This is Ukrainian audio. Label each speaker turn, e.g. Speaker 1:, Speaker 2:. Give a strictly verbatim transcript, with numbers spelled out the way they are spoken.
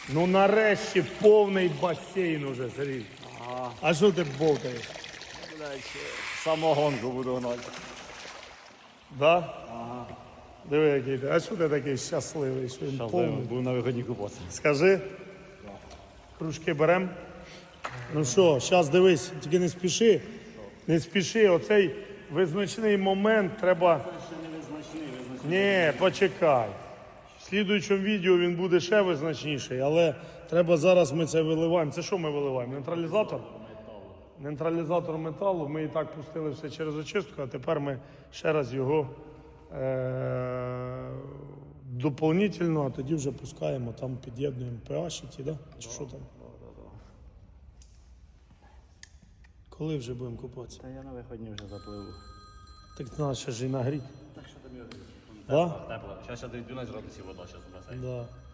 Speaker 1: Ну нарешті повний басейн уже, Сергій.
Speaker 2: Ага.
Speaker 1: А що ти болтаєш?
Speaker 2: Блядь, самогонку буду гнати.
Speaker 1: Да?
Speaker 2: Ага.
Speaker 1: Диви, який ти. А що ти такий щасливий, що він повний?
Speaker 2: Буду на виході купатися.
Speaker 1: Скажи. Кружки берем. Ну що, зараз дивись, тільки не спіши. Не спіши, оцей визначний момент треба.
Speaker 2: Ще не визначний, визначний.
Speaker 1: Ні, почекай. В слідуючому відео він буде ще визначніший, але треба зараз ми це виливаємо. Це що ми виливаємо? Нейтралізатор? Нейтралізатор металу. Ми і так пустили все через очистку, а тепер ми ще раз його е- доповнительно, а тоді вже пускаємо, там під'єднуємо pH, ті, да? Чи що там? Коли вже будемо купатися?
Speaker 2: Та я на виходні вже запливу.
Speaker 1: Так треба ще ж і нагріти.
Speaker 2: Так що тобі
Speaker 1: Да?
Speaker 2: тепло. Зараз я дойду на градусів вода, зараз в басейн.
Speaker 1: Да.